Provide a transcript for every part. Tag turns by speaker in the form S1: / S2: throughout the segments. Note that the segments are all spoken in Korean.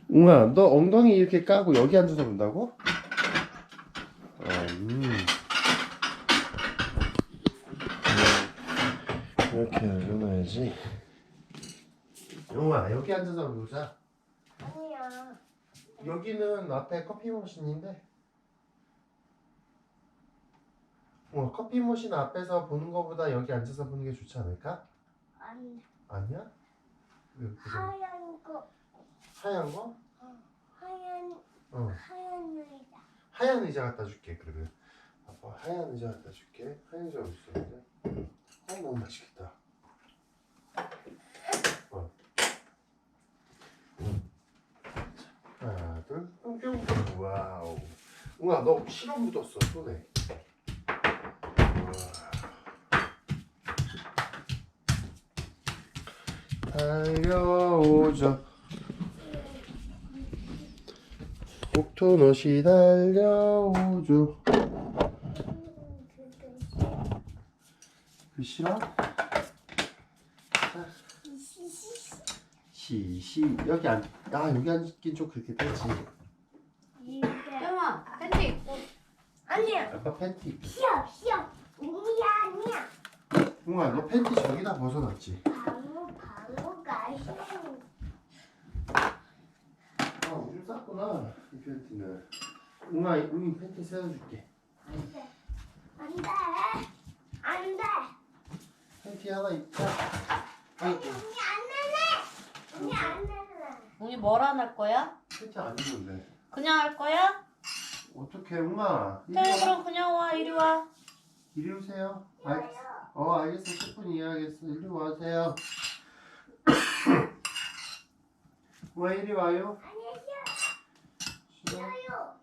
S1: 웅아, 너 엉덩이 이렇게 까고 여기 앉아서 본다고? 이렇게 눌러놔야지. 웅아, 여기 앉아서 보자.
S2: 아니야.
S1: 여기는 앞에 커피 머신인데. 커피 머신 앞에서 보는 거보다 여기 앉아서 보는 게 좋지 않을까?
S2: 아니.
S1: 아니야? 왜 그래?
S2: 하얀 거.
S1: 하얀 거?
S2: 하얀 의자.
S1: 하얀 의자 갖다 줄게. 그러면 아빠 하얀 의자 갖다 줄게. 하얀 의자 어디 있어? 근데? 너무 맛있겠다. 하나 둘 뿅뿅. 와우. 웅아, 너 실어 묻었어 손에. 달려오죠. 옥토넛이 달려오죠. 그 싫어? 시시 여기 여기 앉긴 좀 그렇게 되지.
S2: 영아, 팬티 입고. 아니야.
S1: 아빠 팬티 입고.
S2: 시험. 아니야.
S1: 웅아, 너 팬티 저기다 벗어놨지?
S2: 방어가 싫어.
S1: 오줌 쌌구나 이 팬티는. 웅아, 웅이 팬티 세워줄게.
S2: 안 돼.
S1: 팬티 하나 입자. 아이고.
S2: 언니 안 내래.
S3: 웅이 뭐라 할 거야?
S1: 팬티 안 입는데.
S3: 그냥 할 거야?
S1: 어떡해 웅아. 이리
S3: 그래
S1: 와.
S3: 그럼 그냥 와 이리 와.
S1: 이리 오세요. 알겠어. 10분 이해하겠어. 이리 와세요. 와, 이리 와요. 싫어?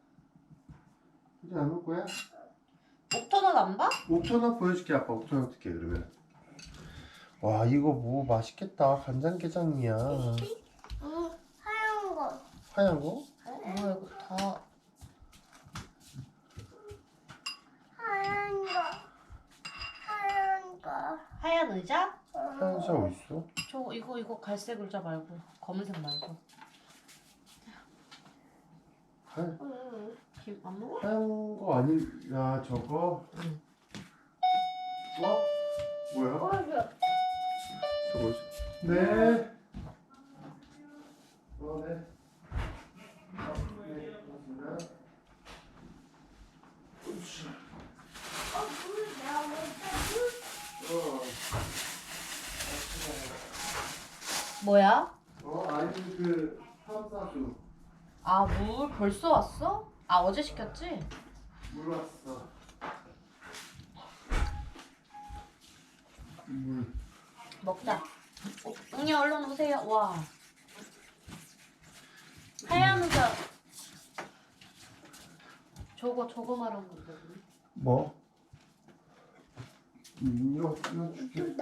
S1: 이리 안 올 거야?
S3: 옥터넛 안 봐?
S1: 옥토넛 보여줄게. 아빠 옥토넛 어떻게 그러면. 와, 이거 뭐 맛있겠다. 간장게장이야.
S2: 하얀 거.
S1: 하얀 거?
S3: 뭐야 이거 다. 하얀 의자?
S1: 하얀 색 어딨어?
S3: 저 이거 갈색 의자 말고 검은색 말고. 김 안 먹어?
S1: 하얀 거 아니야 저거?
S3: 응.
S1: 뭐야? 저거 네. 네.
S3: 뭐야?
S1: 아니 그 탐사수
S3: 아 물 벌써 왔어? 아 어제 시켰지?
S1: 물 왔어. 물.
S3: 먹자. 웅이 얼른 오세요. 와. 하얀 의자. 저거 말하는 건데.
S1: 뭐? 이거 줄게.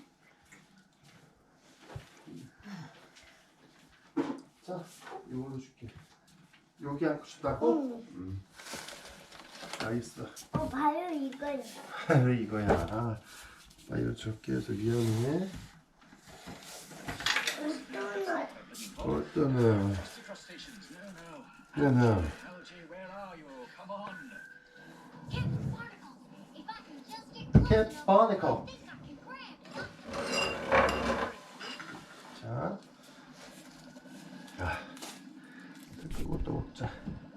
S1: 자, 이걸로 줄게. 여기 앉고 싶다고? 응. 알겠어.
S2: 바로 이거야.
S1: 왜 이거야? 나 이거 적게 해서 미안해. 어떠네. 얘는 캣 바니커. 자, 그것도 먹자.